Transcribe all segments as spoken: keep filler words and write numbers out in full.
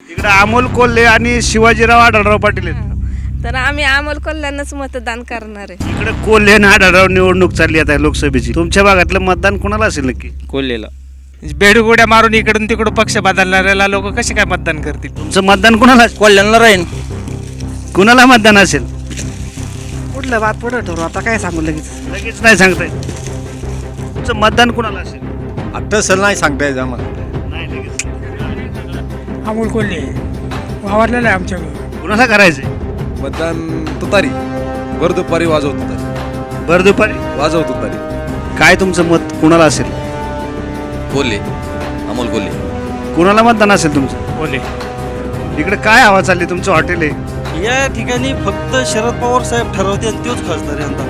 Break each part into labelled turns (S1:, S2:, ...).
S1: इकडे अमोल कोल्हे आणि शिवाजीराव आढळराव पाटील आहेत.
S2: तर आम्ही अमोल कोल्ह्यांनाच मतदान करणार आहे.
S1: इकडे कोल्हे आणि आढळराव निवडणूक चालली आता लोकसभेची. तुमच्या भागातलं मतदान कोणाला असेल नक्की?
S3: कोल्हेला. बेडगोड्या मारून इकडून तिकडून पक्ष बदलणाऱ्याला लोक कसे काय मतदान करतील?
S1: तुमचं मतदान कोणाला असेल?
S4: कोल्ह्यांना राहीन.
S1: कुणाला मतदान असेल?
S4: कुठलं बात पुढे ठरवू आता काय सांगू लगेच.
S1: लगेच नाही सांगता येत. तुमचं मतदान कोणाला असेल?
S5: आता सर नाही सांगता येत आम्हाला.
S1: नाही लगेच.
S6: अमोल कोल्हे वावरलेलं आहे आमच्याकडे.
S1: कुणाला करायचंय
S5: मतदान तुतारी भर दुपारी वाजवत तुतारी
S1: भर दुपारी?
S5: वाजव तुतारी.
S1: काय तुमचं मत कुणाला असेल?
S7: कोल्हे, अमोल कोल्हे.
S1: कुणाला मतदान असेल तुमचं?
S6: कोल्हे.
S1: इकडे काय हवा चालली? तुमचं हॉटेल आहे.
S8: या ठिकाणी फक्त शरद पवार साहेब ठरवते आणि तोच खासदार यंदा.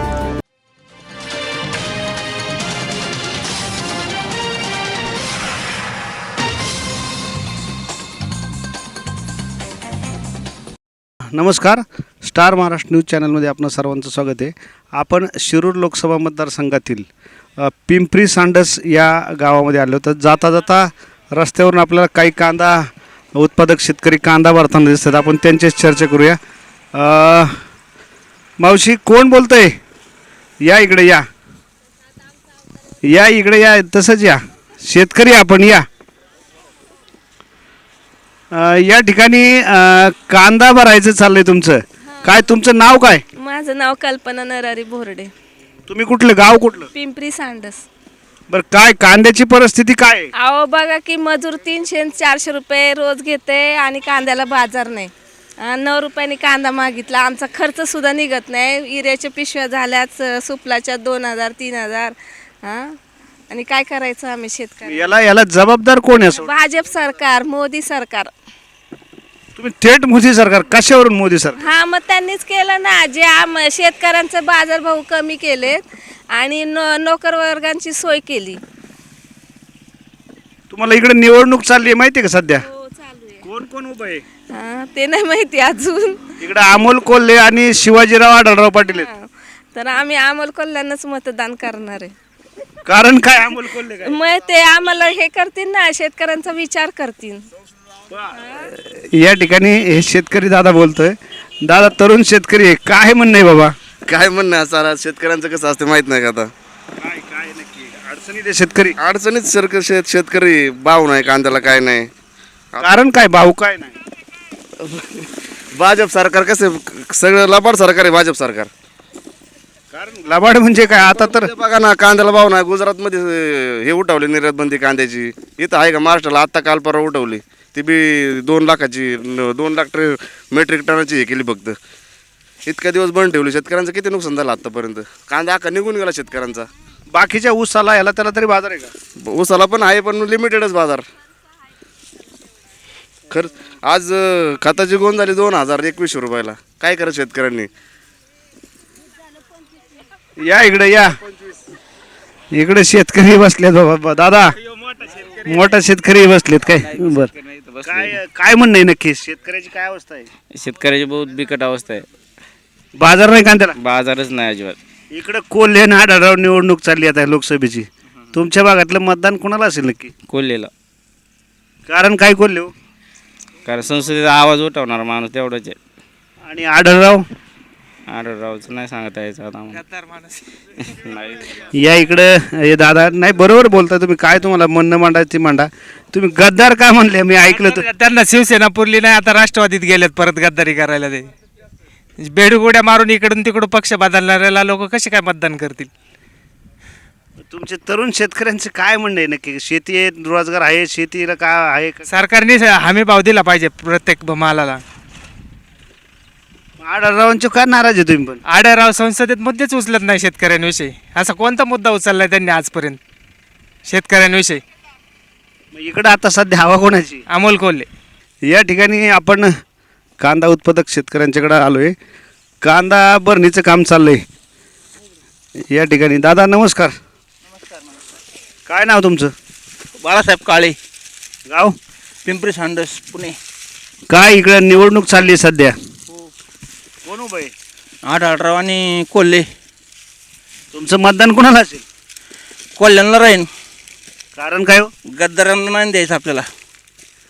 S1: नमस्कार, स्टार महाराष्ट्र न्यूज चॅनलमध्ये आपणं सर्वांचं स्वागत आहे. आपण शिरूर लोकसभा मतदारसंघातील अ, पिंपरी सांडस या गावामध्ये आलो. तर जाता जाता रस्त्यावरून आपल्याला काही कांदा उत्पादक शेतकरी कांदा भरताना दिसतात. आपण त्यांच्याच चर्चा करूया. अ, मावशी कोण बोलतंय? या इकडे या या इकडे या तसंच या. शेतकरी आपण या. अ, या ठिकाणी अ, कांदा भरायचं चाललंय तुमचं. काय तुमचं नाव काय?
S2: माझं नाव कल्पना नरारी बोर्डे,
S1: तुम्ही कुठलं गाव कुठलं?
S2: पिंपरी सांडस.
S1: बरं काय कांद्याची परिस्थिती काय आहे?
S2: अहो बघा की मजूर तीनशे चारशे रुपये रोज घेते आणि कांद्याला बाजार नाही. अं, नऊ रुपयांनी कांदा मागितला. आमचा खर्च सुद्धा निघत नाही. इऱ्याच्या पिशव्या झाल्याच, सुपलाच्या दोन हजार तीन हजार हां आणि काय करायचं आम्ही शेतकरी?
S1: याला याला जबाबदार कोण आहे असं?
S2: भाजप सरकार, मोदी सरकार.
S1: तुम्ही थेट मोदी सरकार कशावरून मोदी सरकार?
S2: हा मग त्यांनीच केलं ना, जे आम शेतकऱ्यांचे बाजारभाव कमी केलेत आणि नो नोकर वर्गांची सोय केली.
S1: तुम्हाला इकडे निवडणूक चालली आहे माहिती आहे का सध्या?
S2: हो चालू आहे.
S1: कोण कोण उभं आहे?
S2: हा, ते नाही माहिती अजून.
S1: इकडे अमोल कोल्हे आणि शिवाजीराव आढळराव पाटील आहेत.
S2: हा, तर आम्ही अमोल कोल्ह्यांनाच मतदान करणार आहे.
S1: कारण काय अमोल कोल्हे काय?
S2: मग ते आम्हाला हे करतील ना, शेतकऱ्यांचा विचार करतील.
S1: या ठिकाणी हे शेतकरी दादा बोलतोय. दादा तरुण शेतकरी आहे. काय म्हणणं आहे बाबा?
S7: काय म्हणणं आहे सारा शेतकऱ्यांचं कसं असते माहित नाही का? आता
S1: काय काय नक्की अडचणीत आहे शेतकरी?
S7: अडचणीत सरक शेत शेतकरी भाव नाही कांद्याला, काय नाही.
S1: कारण काय भाऊ काय नाही?
S7: भाजप सरकार कसं सगळं लबाड सरकार आहे भाजप सरकार.
S1: कारण लबाड म्हणजे काय? आता तर
S7: ते बघा ना, कांद्याला भाव नाही. गुजरातमध्ये अं, हे उठवली निर्यात बंदी कांद्याची. इथं आहे का महाराष्ट्राला? आत्ता काल परवा उठवली. ती बी दोन लाखाची न- दोन लाख ट्रे मेट्रिक टनाची हे केली फक्त. इतक्या दिवस बंद ठेवली. शेतकऱ्यांचं किती नुकसान झालं आत्तापर्यंत. कांदा अख्खा निघून गेला शेतकऱ्यांचा.
S1: बाकीच्या ऊसाला याला त्याला तरी बाजार आहे का?
S7: ऊसाला पण आहे पण लिमिटेडच बाजार. खर आज अं, खताची गोंद झाली दोन हजार एकवीसशे रुपयाला. काय करत शेतकऱ्यांनी?
S1: या इकडे या. इकडे शेतकरी बसलेत बाबा. दादा मोठा शेतकरी बसलेत काय? बर काय काय म्हणणं आहे नक्की? शेतकऱ्याची काय अवस्था आहे?
S3: शेतकऱ्याची बहुत बिकट अवस्था आहे.
S1: बाजार नाही कांद्याला?
S3: बाजारच नाही अजिबात.
S1: इकडे कोल्हे आणि आढळराव निवडणूक चालली आता लोकसभेची. तुमच्या भागातलं मतदान कोणाला असेल नक्की?
S3: कोल्हेला.
S1: कारण काय कोल्हे हो?
S3: कारण संसदेचा आवाज उठवणार माणूस तेवढंच आहे.
S1: आणि आढळराव?
S3: आढळरावचं नाही सांगता यायचं आता आम्हाला. नाही.
S1: या इकडे हे दादा नाही बरोबर बोलता तुम्ही. काय तुम्हाला म्हणणं मांडायची मांडा. तुम्ही गद्दार काय म्हणले मी ऐकलं तर?
S3: त्यांना शिवसेना पुरली नाही, आता राष्ट्रवादीत गेलेत परत गद्दारी करायला. ते बेडगोड्या मारून इकडून तिकडून पक्ष बदलणाऱ्याला लोक कसे काय मतदान करतील?
S1: तुमचे तरुण शेतकऱ्यांचे काय म्हणणं आहे नक्की? शेती आहे, रोजगार आहे, शेतीला काय आहे का?
S3: सरकारने हमी भाव दिला पाहिजे प्रत्येक मालाला.
S1: आढळरावांचे काय नाराज आहे तुम्ही? पण
S3: आढळराव संसदेत मुद्देच उचलत नाही शेतकऱ्यांविषयी. असा कोणता मुद्दा उचललाय त्यांनी आजपर्यंत शेतकऱ्यांविषयी?
S1: मग इकडं आता सध्या हवा कोणाची?
S3: अमोल कोल्हे.
S1: या ठिकाणी आपण कांदा उत्पादक शेतकऱ्यांच्याकडे आलो आहे. कांदा भरणीचं काम चाललं आहे या ठिकाणी. दादा नमस्कार. काय नाव तुमचं?
S4: बाळासाहेब काळे,
S1: गाव?
S4: पिंपरी सांडस, पुणे.
S1: काय इकडं निवडणूक चालली आहे सध्या? कोण उभं आहे?
S4: आढळराव आणि कोल्हे.
S1: तुमचं मतदान कोणाला असेल?
S4: कोल्ह्यांना राहीन.
S1: कारण काय हो?
S4: गद्दारांना नाही द्यायचं आपल्याला.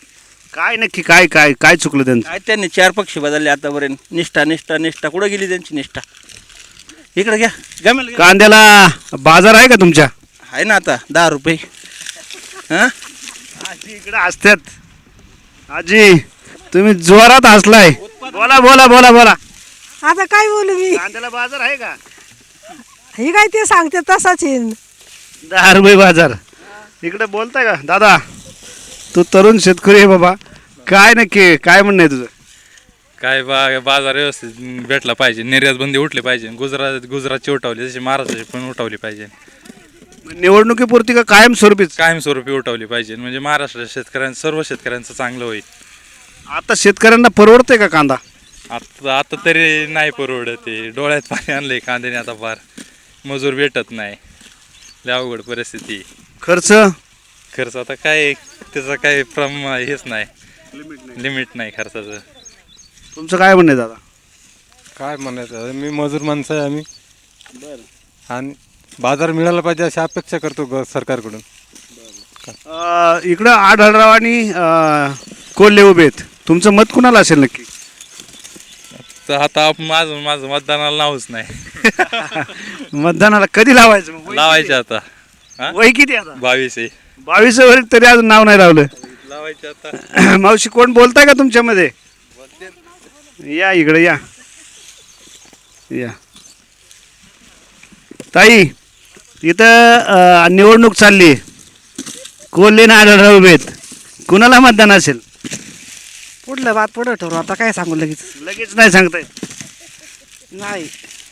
S1: काय नक्की काय काय काय चुकलं त्यांचं?
S9: काय त्यांनी चार पक्ष बदलले आतापर्यंत. निष्ठा निष्ठा निष्ठा कुठं गेली त्यांची निष्ठा? इकडे घ्या गमेल घ्या.
S1: कांद्याला बाजार आहे का तुमच्या?
S9: आहे ना आता दहा रुपये. हां
S1: आजी इकडे असतात. आजी तुम्ही जोरात हसलाय. बोला बोला बोला बोला.
S4: आता काय बोलू मी?
S1: कांद्याला बाजार आहे का?
S4: हे काय ते सांगते तसाच येईन.
S1: दहा रुपये बाजार. इकडे बोलताय का दादा? तू तरुण शेतकरी आहे बाबा, काय नक्की काय म्हणणं आहे तुझं?
S10: काय बा बाजार व्यवस्थित भेटला पाहिजे, निर्यात बंदी उठली पाहिजे, गुजरात गुजरातची उठवली जशी महाराष्ट्राची पण उठवली पाहिजे,
S1: निवडणुकीपुरती का कायमस्वरूपीच?
S10: कायमस्वरूपी उठवली पाहिजे म्हणजे महाराष्ट्राच्या शेतकऱ्यांचं सर्व शेतकऱ्यांचं चांगलं होईल.
S1: आता शेतकऱ्यांना परवडतंय का कांदा?
S10: आता आता तरी नाही परवडत ते, डोळ्यात पाणी आणलंय कांद्याने आता फार, मजूर भेटत नाही, लय अवघड परिस्थिती.
S1: खर्च
S10: खर्च आता काय त्याचं काय प्रम हेच नाही, लिमिट नाही खर्चाचं.
S1: तुमचं काय म्हणणं आहे दादा?
S11: काय म्हणायचं, मी मजूर माणसं आहे आम्ही, आणि बाजार मिळाला पाहिजे अशी अपेक्षा करतो ग सरकारकडून.
S1: अं, इकडं आढळराव आणि अं, कोल्हे उभे आहेत. तुमचं मत कुणाला असेल नक्की?
S10: तर आता आप- माझं माझं मतदानाला नावच नाही.
S1: मतदानाला कधी लावायचं मग?
S10: लावायचे आता. हा?
S1: वय किती आता?
S10: बावीस आहे.
S1: बावीस वर तरी अजून नाव नाही लावलं.
S10: लावायचे आता.
S1: मावशी कोण बोलताय का तुमच्यामध्ये? या इकडे या या ताई. इथं अं, निवडणूक चालली, कोल्हे आणि आढळराव उभे आहेत. कुणाला मतदान असेल?
S4: पुढलं बात पुढं ठरवू, आता काय सांगू लगेच?
S1: लगेच नाही सांगताय?
S4: नाही.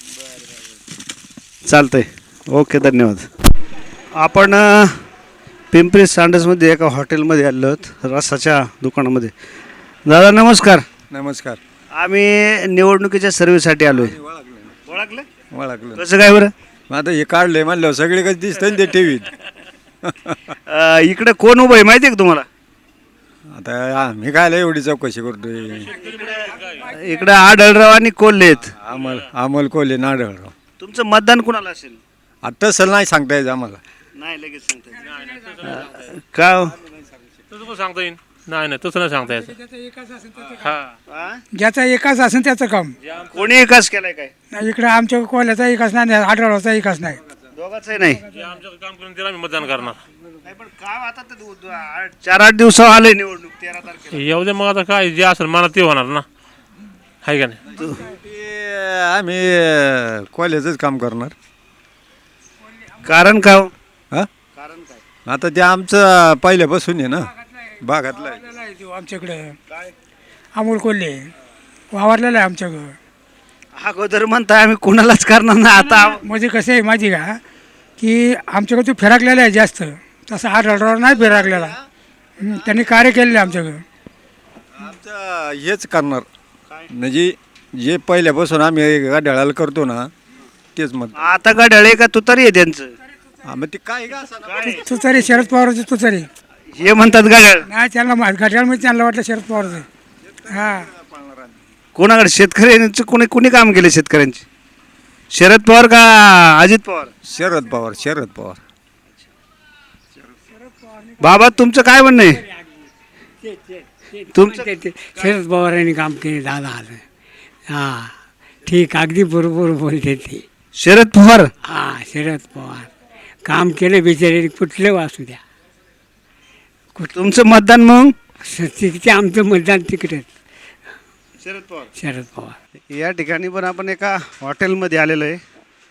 S1: चालतंय, ओके, धन्यवाद. आपण अ, पिंपरी सांडसमध्ये एका हॉटेलमध्ये आलो आहोत, रसाच्या दुकानामध्ये. दादा नमस्कार.
S11: नमस्कार.
S1: आम्ही निवडणुकीच्या सर्वेसाठी आलो आहे. ओळखलं?
S11: ओळखलं.
S1: कसं काय बरं?
S11: आता हे काढलंय म्हणलं सगळे कधी दिसतं ते टीव्हीत.
S1: अ, इकडे कोण उभं आहे माहिती आहे का तुम्हाला?
S11: आता मी कायला एवढी चौकशी करतोय.
S1: इकडे आढळराव आणि कोल्हे आहेत.
S11: अमल अमल कोल्हे नाडळराव.
S1: तुमचं मतदान कुणाला असेल?
S11: आता तसं नाही सांगता यायचं आम्हाला.
S1: नाही लगेच सांगता का हो?
S6: तसं पण सांगता येईल. नाही नाही तसं नाही सांगता यायचं.
S1: हा?
S6: ज्याचा एकाच असेल त्याचं काम.
S1: कोणी विकास केलाय काय?
S6: नाही इकडे आमच्या कोल्याचा एकाच नाही, आढळचा एकाच नाही.
S1: दोघांचंही नाही.
S6: आमचं काम करून त्याला आम्ही मतदान करणार.
S1: नाही, पण काम आता तर दु- दु- आठ- चार आठ दिवसावर आले निवडणूक तेरा तारखेला.
S6: येऊ दे मग, आता काय जे असेल मनात ते होणार ना, आहे का नाही?
S11: ते आम्ही कॉलेजच काम करणार.
S1: कारण का हो?
S11: हा, आता ते आमचं पहिल्यापासून आहे ना, भागातलं आहे.
S6: आमच्याकडे अमोल कोल्हे वावरलेला आहे आमच्याकडं.
S1: अगोदर म्हणताय आम्ही कोणालाच करणार ना, आता
S6: म्हणजे कसं आहे माहिती का, की आमच्याकडे तो फिराकलेला आहे जास्त, तसं आढळराव नाही फिराकलेला. हं, त्यांनी कार्य केलेलं आहे आमच्याकडं.
S11: आमचं हेच करणार म्हणजे जे पहिल्यापासून आम्ही गाड्याला करतो ना तेच मत.
S1: आता गाड्याळे का तू तरी आहे त्यांचं?
S11: हा, मग ते काय का असं ना.
S6: तू तरी शरद पवारचं तू तरी
S1: हे म्हणतात गाड्याळ.
S6: नाही, त्यांना घड्याळमध्ये त्यांना वाटलं शरद पवारचं. हां,
S1: कोणाकडे शेतकऱ्यांचं कोणी कोणी काम केले शेतकऱ्यांची? शरद पवार का अजित पवार?
S11: शरद पवार. शरद पवार.
S1: बाबा तुमचं काय म्हणणं आहे? तुमचं
S12: शरद पवारांनी काम केले दादा आलं. हां ठीक, अगदी बरोबर बोलते ते.
S1: शरद पवार.
S12: हां शरद पवार काम केलं बिचारे, कुठलं वासू द्या.
S1: तुमचं मतदान मग?
S12: तिथे आमचं मतदान तिकडेच
S1: शरद पवार.
S12: शरद पवार.
S1: या ठिकाणी पण आपण एका हॉटेलमध्ये आलेलो आहे.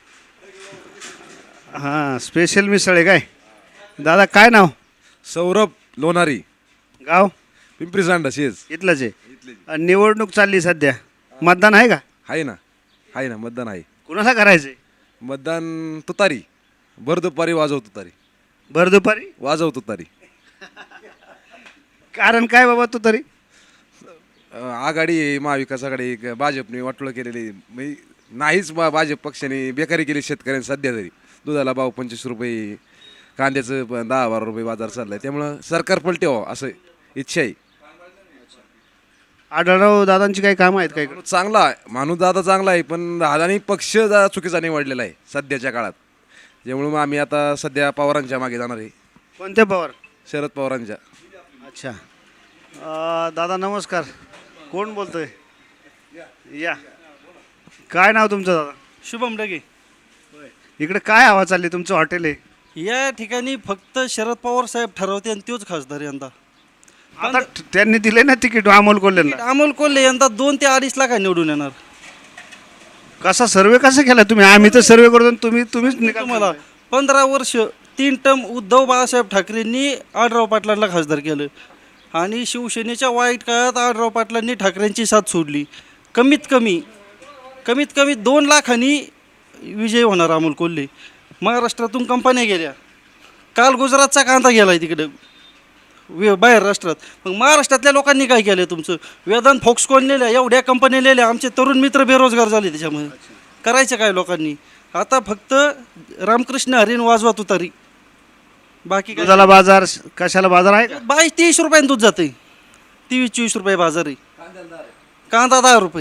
S1: हां, स्पेशल मिसळ आहे काय? दादा काय नाव?
S5: सौरभ लोणारी,
S1: गाव
S5: पिंपरी सांडस. हेच
S1: इथलंच आहे. आणि निवडणूक चालली सध्या, मतदान आहे का?
S5: आहे ना, आहे ना, मतदान आहे.
S1: कुणाला करायचंय
S5: मतदान? तुतारी. भर दुपारी वाजव तुतारी.
S1: भर दुपारी
S5: वाजव तुतारी.
S1: कारण काय बाबा तू तरी?
S5: अं, आघाडी आहे, महाविकास आघाडी आहे, भाजपने वाटोळं केलेली म्हणजे नाहीच. बा भाजप पक्षाने बेकारी केली शेतकऱ्यांनी. सध्या तरी दुधाला भाव पंचवीस रुपये, कांद्याचं प- दहा बारा रुपये बाजार चाललाय. त्यामुळं सरकार पलटे व्हावं असं इच्छा आहे.
S1: आढळराव दादांची काही कामं आहेत काय?
S5: चांगला आहे माणूस, दादा चांगला आहे, पण दादानी पक्ष जरा चुकीचा निवडलेला आहे सध्याच्या काळात. त्यामुळे मग आम्ही आता सध्या पवारांच्या मागे जाणार आहे.
S1: कोणत्या पवार?
S5: शरद पवारांच्या.
S1: अच्छा, अ, दादा नमस्कार. कोण बोलतोय? या. काय नाव तुमचं दादा?
S8: शुभम डगे.
S1: इकडे काय हवा चालली? तुमचं हॉटेल आहे.
S8: या ठिकाणी फक्त शरद पवार साहेब ठरवते आणि तोच खासदार यंदा.
S1: आता ठ- त्यांनी दिले ना तिकीट अमोल कोल्हेला.
S8: अमोल कोल्हे यंदा दोन ते अडीच लाख निवडून येणार.
S1: कसा सर्वे कसा केला तुम्ही? आम्ही तर सर्वे करतो आणि तुम्ही तुम्हीच निकाल
S8: तुम्हाला पंधरा वर्ष तीन टर्म उद्धव बाळासाहेब ठाकरेंनी आढराव पाटलांना खासदार केलं आणि शिवसेनेच्या वाईट काळात आढराव पाटलांनी ठाकरेंची साथ सोडली. कमीत कमी कमीत कमी दोन लाखांनी विजय होणार अमोल कोल्हे. महाराष्ट्रातून कंपन्या गेल्या. काल गुजरातचा कांदा गेला आहे तिकडं वे बाहेर राष्ट्रात. मग महाराष्ट्रातल्या लोकांनी काय केलं तुमचं? वेदांत फोक्सकॉन लिहिल्या, एवढ्या कंपन्या लिहिल्या, आमचे तरुण मित्र बेरोजगार झाले त्याच्यामुळे. करायचं काय लोकांनी? आता फक्त रामकृष्ण हरीन वाजवा तुतारी, बाकी काय?
S1: दुधाला बाजार कशाला बाजार आहे का?
S8: बावीस तेवीस रुपयाने दूध जाते. तेवीस चोवीस रुपये बाजार आहे. कांदा दहा रुपये.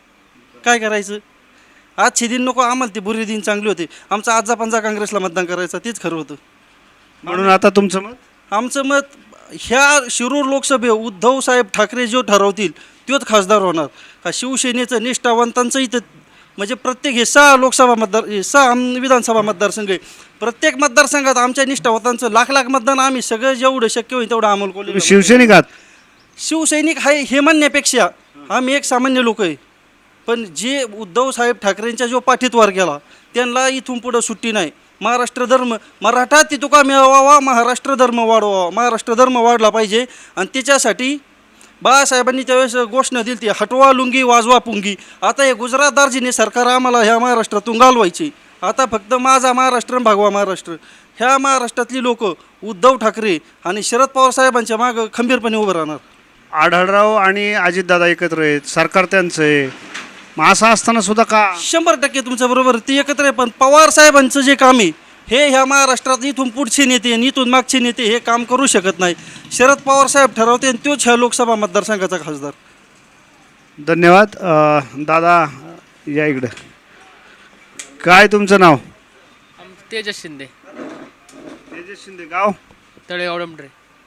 S8: काय करायचं? आजचे दिन नको आम्हाला, ते बुरे दिन चांगले होते. आमचा आजा पंजा काँग्रेसला मतदान करायचं, तेच खरं होतं.
S1: म्हणून आता तुमचं मत?
S8: आमचं मत ह्या शिरूर लोकसभे उद्धव साहेब ठाकरे जो ठरवतील तोच खासदार होणार. का शिवसेनेचं निष्ठावंतांचं इथं म्हणजे प्रत्येक हे सहा लोकसभा मतदार हे सहा आम- विधानसभा मतदारसंघ आहे. प्रत्येक मतदारसंघात आमच्या निष्ठावंतांचं लाख लाख मतदान आम्ही सगळं जेवढं शक्य होईल तेवढं अमोल कोल्हे.
S1: तुम्ही शिवसैनिक आहात?
S8: शिवसैनिक आहे हे म्हणण्यापेक्षा आम्ही एक सामान्य लोक आहे. पण जे उद्धव साहेब ठाकरेंच्या जो पाठीतवार गेला त्यांना इथून पुढं सुट्टी नाही. महाराष्ट्र धर्म मराठा तितुका मिळवावा, महाराष्ट्र धर्म वाढवावा. महाराष्ट्र धर्म वाढला पाहिजे आणि त्याच्यासाठी बाळासाहेबांनी त्यावेळेस घोषणा दिली ती हटवा लुंगी वाजवा पुंगी. आता हे गुजरात दार्जिने सरकार आम्हाला ह्या महाराष्ट्रातून घालवायची. आता फक्त माझा महाराष्ट्र आणि भागवा महाराष्ट्र. ह्या महाराष्ट्रातली लोक उद्धव ठाकरे आणि शरद पवार साहेबांच्या मागं खंबीरपणे उभं राहणार.
S1: आढळराव आणि अजितदादा एकत्र आहेत, सरकार त्यांचं आहे. मग असं असताना सुद्धा का?
S8: शंभर टक्के तुमच्या बरोबर ती एकत्र आहे. पण पवार साहेबांचं जे काम आहे हे ह्या महाराष्ट्रात इथून पुढचे नेते आणि इथून मागचे नेते हे काम करू शकत नाही. शरद पवार साहेब ठरवते आणि तोच ह्या लोकसभा मतदारसंघाचा खासदार.
S1: धन्यवाद. अ, दादा या इकडं. काय तुमचं नाव?
S3: तेजस शिंदे,
S1: तेजस शिंदे. गाव?
S3: तळेगाव डोंबरे.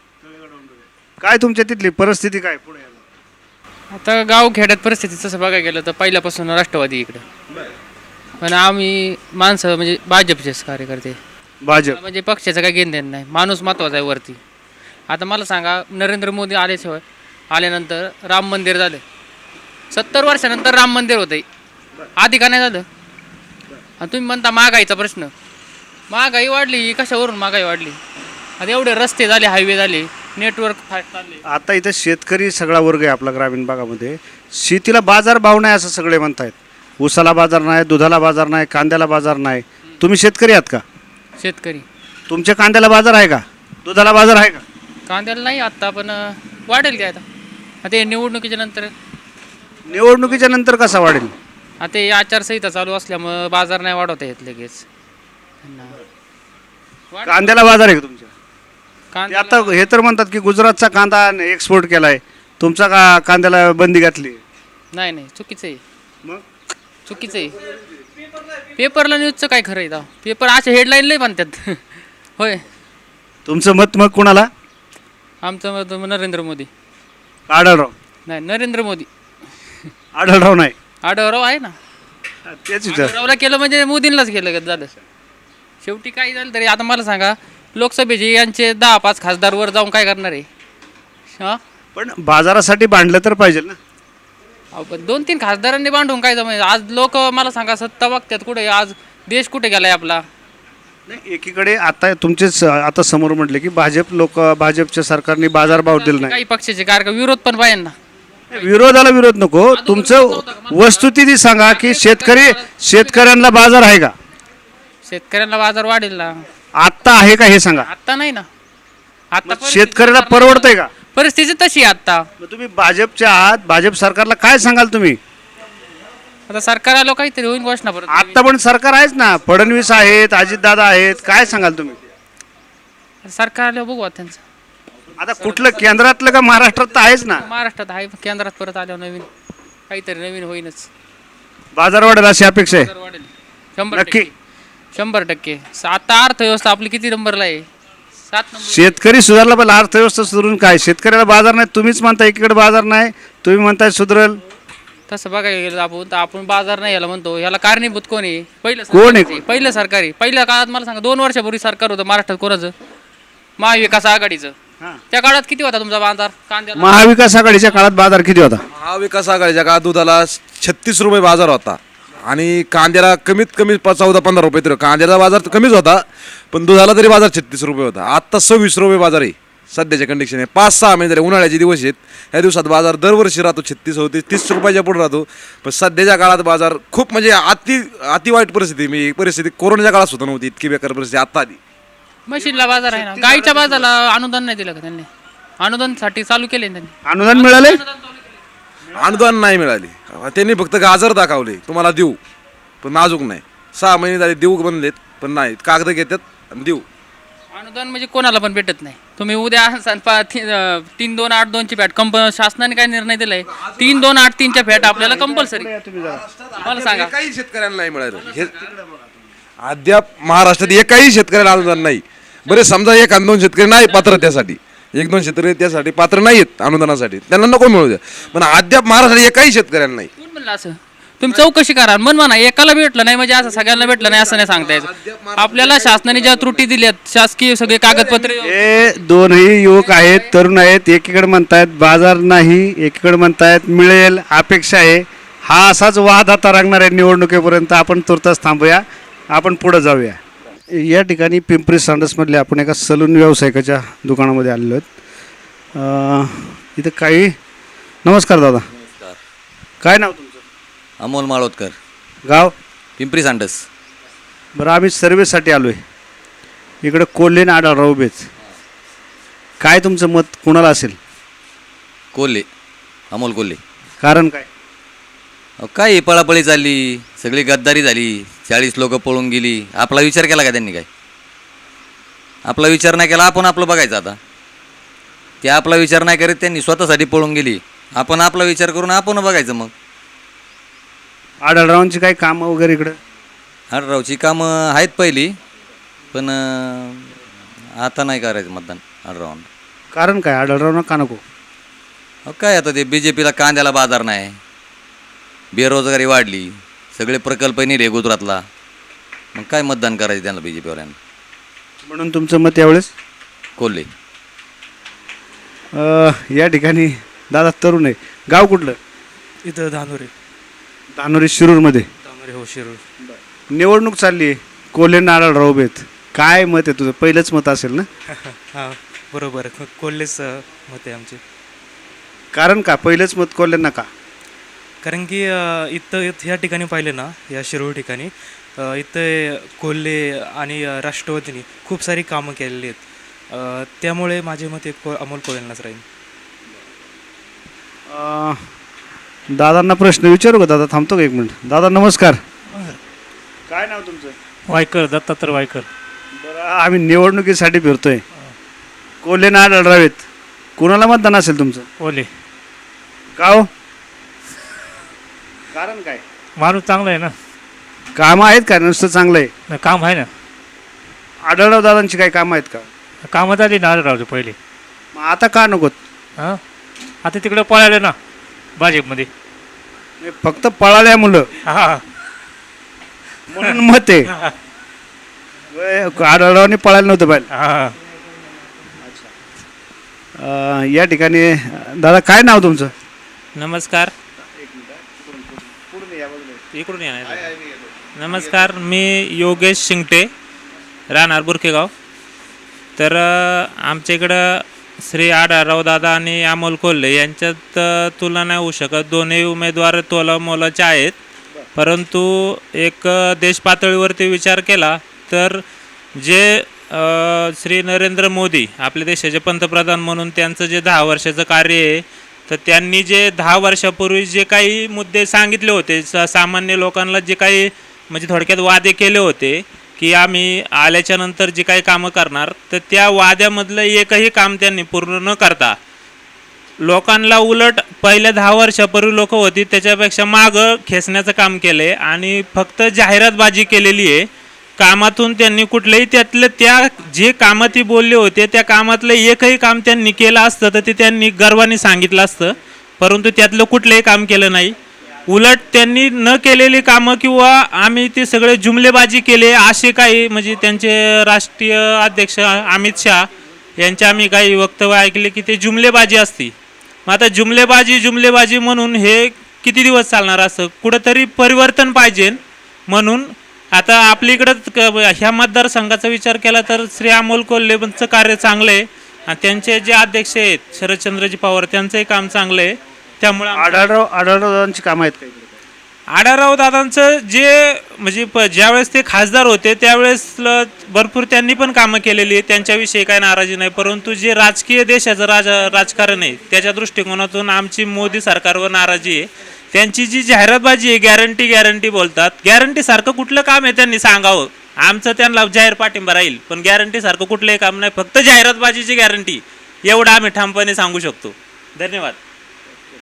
S1: काय तुमच्या तिथली परिस्थिती काय पुढे?
S3: आता गाव खेड्यात परिस्थिती तसं बघायला गेलं तर पहिल्यापासून राष्ट्रवादी इकडं. पण आम्ही माणसं म्हणजे भाजपचेच कार्यकर्ते.
S1: भाजप
S3: म्हणजे पक्षाचं काही घेणं देणं नाही. माणूस महत्त्वाचा आहे वरती. आता मला सांगा, नरेंद्र मोदी आल्याशिवाय आल्यानंतर राम मंदिर झालं. सत्तर वर्षानंतर राम मंदिर होतं, आधी का नाही झालं? आणि तुम्ही म्हणता महागाईचा प्रश्न. महागाई वाढली, कशावरून महागाई वाढली? आता एवढे रस्ते झाले, हायवे झाले, नेटवर्क फास्ट चालले.
S1: आता इथं शेतकरी सगळा वर्ग आहे आपला ग्रामीण भागामध्ये. शेतीला बाजार भाव नाही असं सगळे म्हणतायत. ऊसाला बाजार नाही, दुधाला बाजार नाही, कांद्याला बाजार नाही. तुम्ही शेतकरी आहात का?
S3: शेतकरी.
S1: तुमच्या कांद्याला बाजार आहे का? दुधाला बाजार आहे का?
S3: कांद्याला नाही आत्ता, पण वाढेल काय आता? आता हे निवडणुकीच्या नंतर.
S1: निवडणुकीच्या नंतर कसा वाढेल?
S3: आता हे आचारसंहिता चालू असल्यामुळं बाजार नाही वाढवता येत लगेच.
S1: कांद्याला बाजार आहे का तुमच्या? ते
S3: कांदा
S1: आता हे तर म्हणतात की गुजरातचा कांदा एक्सपोर्ट केलाय, तुमचा का कांद्याला बंदी घातली?
S3: नाही नाही, चुकीचं आहे.
S1: मग
S3: चुकीचं आहे. पेपरला न्यूजचं काय खरं आहे का? पेपर अशा हेडलाईन लय म्हणतात. होय.
S1: तुमचं मत मग कुणाला?
S3: आमचं मत नरेंद्र मोदी.
S1: आढळराव?
S3: नाही, नरेंद्र मोदी.
S1: आढळराव नाही?
S3: आढळराव आहे ना.
S1: तेच विचार.
S3: आढळरावला केलं म्हणजे मोदींनाच केलं झालं. शेवटी काही झालं तरी आता मला सांगा, लोकसभेचे यांचे दहा पाच खासदार वर जाऊन काय करणार आहे? हां,
S1: पण बाजारासाठी भांडलं तर पाहिजे ना.
S3: अहो, पण दोन तीन खासदारांनी बांधून काय जमायचं? आज लोक मला सांगा सत्ता बघतात कुठे? आज देश कुठे गेलाय आपला?
S1: नाही, एकीकडे आता तुमचेच आता समोर म्हटले की भाजप लोक भाजपच्या सरकारने बाजारभाव दिला नाही.
S3: काही पक्षाचे कार्यक्रम विरोध पण पाहिजे ना.
S1: विरोधाला विरोध नको, तुमचं वस्तुस्थिती सांगा की शेतकरी शेतकऱ्यांना बाजार आहे का?
S3: शेतकऱ्यांना बाजार वाढेल ना.
S1: आत्ता आहे का हे सांगा.
S3: आत्ता नाही ना. आता
S1: शेतकऱ्याला परवडतंय का?
S3: परिस्थिती तशी आहे आता.
S1: मग तुम्ही भाजपच्या आहात, भाजप सरकारला काय सांगाल तुम्ही?
S3: आता सरकार आलो काहीतरी होईल घोषणा परत.
S1: आता पण सरकार आहेच ना, फडणवीस आहेत, अजितदादा आहेत, काय सांगाल तुम्ही?
S3: सरकार आल्यावर बघू आता त्यांचं.
S1: आता कुठलं केंद्रातलं का महाराष्ट्रात तर आहेच ना?
S3: महाराष्ट्रात आहे, केंद्रात परत आल्यावर नवीन काहीतरी नवीन होईनच.
S1: बाजार वाढेल अशी अपेक्षा आहे.
S3: वाढेल शंभर
S1: नक्की
S3: टक्के. शंभर टक्के. आता अर्थव्यवस्था आपली किती नंबरला आहे? सात नंबर
S1: शेतकरी सुधारला पाहिजे, अर्थव्यवस्था सुधारून काय? शेतकऱ्याला बाजार नाही, तुम्हीच म्हणताय एकीकडे बाजार नाही, तुम्ही म्हणताय सुधरल.
S3: तसं बघायला गेलं आपण तर आपण बाजार नाही याला म्हणतो, याला कारणीभूत कोण आहे? पहिलं
S1: कोण आहे?
S3: सरकारच पहिलं सरकारी पहिल्या काळात मला सांगा, दोन वर्षापूर्वी सरकार होतं महाराष्ट्रात कोणाचं? महाविकास आघाडीचं. त्या काळात किती होता तुमचा बाजार कांद्याला?
S1: महाविकास आघाडीच्या काळात बाजार किती होता?
S5: महाविकास आघाडीच्या काळात दुधाला छत्तीस रुपये बाजार होता आणि कांद्याला कमीत कमी प- चौदा पंधरा रुपये तरी. कांद्याचा बाजार तर कमीच होता, पण दुधाला तरी बाजार छत्तीस रुपये होता. आत्ता सव्वीस रुपये बाजार आहे सध्याच्या कंडिशन आहे. पाच सहा महिने झाले, उन्हाळ्याचे दिवस आहेत, ह्या दिवसात बाजार दरवर्षी राहतो छत्तीस होते तीस रुपयाच्या पुढे राहतो. पण सध्याच्या काळात बाजार खूप म्हणजे अति अति वाईट परिस्थिती. मी परिस्थिती कोरोनाच्या काळात सुद्धा नव्हती इतकी बेकार परिस्थिती आत्ता आली.
S3: मशीनला बाजार आहे ना. गाईच्या बाजाराला अनुदान नाही दिलं का त्यांनी? अनुदानसाठी चालू केले ना त्यांनी.
S1: अनुदान मिळाले?
S5: अनुदान नाही मिळाले, त्यांनी फक्त गाजर दाखवले तुम्हाला देऊ, पण नाजूक नाही. सहा महिने झाले देऊ बनलेत, पण नाही कागद घेतात आणि देऊ.
S3: अनुदान म्हणजे कोणाला पण भेटत नाही. तुम्ही उद्या सांग पा- ती- अं, तीन दोन आठ दोनची फॅट कंप शासनाने काय निर्णय दिलाय? तीन दोन आठ तीनच्या फॅट आपल्याला कंपल्सरी. मला सांगा,
S5: एकाही शेतकऱ्यांना नाही मिळालं. हे अद्याप महाराष्ट्रात एकाही शेतकऱ्याला अनुदान नाही. बरे समजा एक दोन शेतकरी नाही पात्र त्यासाठी, एक दोन शेतकरी त्यासाठी पात्र नाही आहेत अनुदानासाठी, त्यांना नको मिळू द्या. पण अद्याप महाराष्ट्रात एकाही शेतकऱ्यांना नाही.
S3: कोण म्हणलं असं? तुम्ही चौकशी करा. मन म्हणा एकाला भेटलं नाही म्हणजे असं सगळ्यांना भेटलं नाही असं नाही सांगता यायचं. आपल्याला शासनाने ज्या त्रुटी दिल्यात, शासकीय सगळे कागदपत्रे,
S1: हे दोनही युवक आहेत, तरुण आहेत. एकीकडे म्हणतायत बाजार नाही, एकीकडे म्हणतायत मिळेल, अपेक्षा आहे. हा असाच वाद आता लागणार आहे निवडणुकीपर्यंत. आपण तुर्तास थांबूया, आपण पुढे जाऊया. या ठिकाणी पिंपरी सांडसमधले आपण एका सलून व्यावसायिकाच्या दुकानामध्ये आलेलो आहेत. अं, इथं काही नमस्कार दादा, काय नाव तुमचं?
S13: अमोल माळोदकर,
S1: गाव?
S13: पिंपरी सांडस.
S1: बरं, आम्ही सर्व्हिससाठी आलो आहे. इकडं कोल्हेन आढळराव उभेच. काय तुमचं मत कुणाला असेल?
S13: कोल्हे, अमोल कोल्हे.
S1: कारण काय?
S13: अहो, काय ही पळापळी चालली, सगळी गद्दारी झाली, चाळीस लोक पळून गेली. आपला विचार केला का त्यांनी? काय आपला विचार नाही केला. आपण आपलं बघायचं आता. ते आपला विचार नाही करीत, त्यांनी स्वतःसाठी पळून गेली. आपण आपला विचार करून आपण बघायचं. मग
S1: आढळरावांची काही कामं वगैरे इकडं?
S13: आढळरावची कामं आहेत पहिली, पण अं, आता नाही करायचं मतदान आढळरावांना.
S1: कारण काय आढळराव का नको?
S13: अहो, काय आता ते बी जे पीला कांद्याला बाजार नाही, बेरोजगारी वाढली, सगळे प्रकल्प नेले गुजरातला. मग काय मतदान करायचं त्यांना बी जे पीवाल्यांना?
S1: म्हणून तुमचं मत यावेळेस
S13: कोल्हे.
S1: अं, या ठिकाणी दादा तरुण आहे. गाव कुठलं?
S14: इथं धानोरे.
S1: धानोरी शिरूरमध्ये.
S14: धानोरे हो, शिरूर.
S1: निवडणूक चालली आहे, कोल्हेन आढळराव उभेत. काय मत आहे तुझं? पहिलंच मत असेल ना?
S14: हां बरोबर, कोल्हेच मत आहे आमचे.
S1: कारण का पहिलंच मत कोल्हेंना का?
S14: कारण की अ, इथं इथं ह्या ठिकाणी पाहिलं ना, या शिरूर ठिकाणी अ, इथं कोल्हे आणि अ, राष्ट्रवादीने खूप सारी कामं केलेली आहेत. अ, त्यामुळे माझे मत एक को अमोल कोल्हेंनाच राहील.
S1: अं, दादांना प्रश्न विचारू का? दादा थांबतो का एक मिनिट? दादा नमस्कार, काय नाव तुमचं?
S14: वायकर, दत्तात्रय वायकर.
S1: बरं, आम्ही निवडणुकीसाठी फिरतोय. कोल्हेन आढळराव आहेत, कुणाला मतदान असेल तुमचं?
S14: कोल्हे.
S1: गाव? कारण काय?
S14: माणूस चांगला आहे ना,
S1: कामं आहेत का? नुसतं चांगलं आहे?
S14: काम आहे ना.
S1: आढळराव दादांची काही कामं आहेत का?
S14: कामं झाली ना आढळरावचे पहिले.
S1: मग आता का नकोत?
S14: हां, आता तिकडे पळाले ना भाजपमध्ये.
S1: फक्त पळाल्या मुलं
S14: हां,
S1: म्हणून मत आहे. आढळरावने पळायला नव्हतं पाहिजे.
S14: हां.
S1: अं, या ठिकाणी दादा काय नाव तुमचं?
S14: नमस्कार. इकडून या. नमस्कार, मी योगेश शिंगटे, राहणार बुरखेगाव. तर अ, आमच्या इकडं श्री आढळराव दादा आणि अमोल कोल्हे यांच्यात अ, तुलना नाही होऊ शकत. दोन्ही उमेदवार तोलामोलाचे आहेत. परंतु एक अ, देश पातळीवरती विचार केला तर जे अ, श्री नरेंद्र मोदी आपल्या देशाचे पंतप्रधान म्हणून त्यांचं जे दहा वर्षाचं कार्य आहे, तर त्यांनी जे दहा वर्षापूर्वी जे काही मुद्दे सांगितले होते, स सामान्य लोकांना जे काही म्हणजे थोडक्यात वादे केले होते की आम्ही आल्याच्या नंतर जे काही कामं करणार, तर त्या वाद्यामधलं एकही काम त्यांनी पूर्ण न करता लोकांना उलट पहिल्या दहा वर्षापूर्वी लोक होती त्याच्यापेक्षा मागं खेचण्याचं काम केलं आहे आणि फक्त जाहिरातबाजी केलेली आहे कामातून त्यांनी कुठलंही त्यातलं त्या जे कामं ती बोलले होते त्या कामातलं एकही काम त्यांनी केलं असतं तर ते त्यांनी गर्वाने सांगितलं असतं, परंतु त्यातलं कुठलंही काम केलं नाही. उलट त्यांनी न केलेली कामं किंवा आम्ही ते सगळे जुमलेबाजी केले असे काही म्हणजे त्यांचे राष्ट्रीय अध्यक्ष अमित शहा यांचे आम्ही काही वक्तव्य ऐकले की ते जुमलेबाजी असती. मग आता जुमलेबाजी जुमलेबाजी म्हणून हे किती दिवस चालणार असं? कुठंतरी परिवर्तन पाहिजे. म्हणून आता आपल्या इकडं ह्या मतदारसंघाचा विचार केला तर श्री अमोल कोल्हेंचं कार्य चांगलं आहे आणि त्यांचे जे अध्यक्ष आहेत शरदचंद्रजी पवार त्यांचंही काम चांगलं आहे. त्यामुळे
S1: आढळराव आढळरावांची कामं आहेत काही?
S14: आढळराव दादांचं जे म्हणजे प ज्यावेळेस ते खासदार होते त्यावेळेस ल- भरपूर त्यांनी पण कामं केलेली आहे, त्यांच्याविषयी काही नाराजी नाही. परंतु जे राजकीय देशाचं राज राजकारण आहे त्याच्या दृष्टिकोनातून आमची मोदी सरकारवर नाराजी आहे. त्यांची जी जाहिरातबाजी आहे गॅरंटी गॅरंटी बोलतात, गॅरंटीसारखं कुठलं काम आहे त्यांनी सांगावं. आमचं त्यांना जाहीर पाठिंबा राहील, पण गॅरंटीसारखं कुठलंही काम नाही, फक्त जाहिरातबाजीची गॅरंटी एवढं आम्ही ठामपणे सांगू शकतो. धन्यवाद.